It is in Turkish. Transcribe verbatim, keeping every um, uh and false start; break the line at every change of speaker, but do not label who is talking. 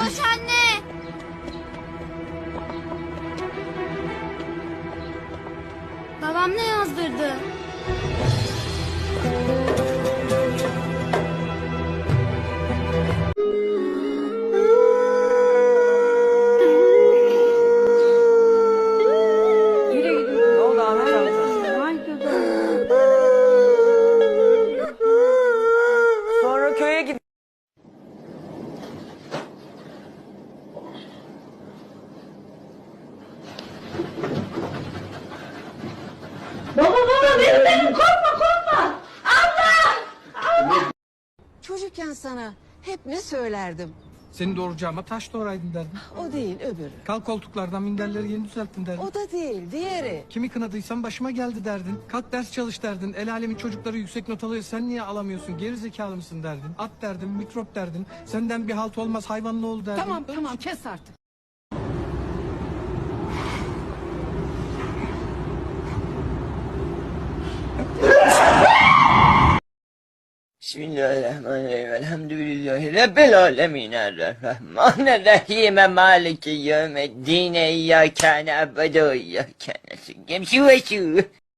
Koş anne. Babam ne yazdırdı?
Ne oldu Ahmet amca? Sonra köye git.
Baba baba benim benim korkma korkma. Allah!
Çocukken sana hep ne söylerdim?
Seni doğuracağıma taş doğraydın derdim.
O değil öbürü.
Kalk koltuklardan minderleri yeni düzelttin derdin.
O da değil diğeri.
Kimi kınadıysam başıma geldi derdin. Kalk ders çalış derdin. El alemin çocukları yüksek not alıyor. Sen niye alamıyorsun? Geri zekalı mısın derdin. At derdin, mikrop derdin. Senden bir halt olmaz hayvan ne oldu derdin.
Tamam tamam kes artık.
Bismillahirrahmanirrahim. Elhamdülillahi Rabbil alemin. Errahmanirrahim. Maliki yevmeddin. İyyâke na'budu ve iyyâke nestaîn.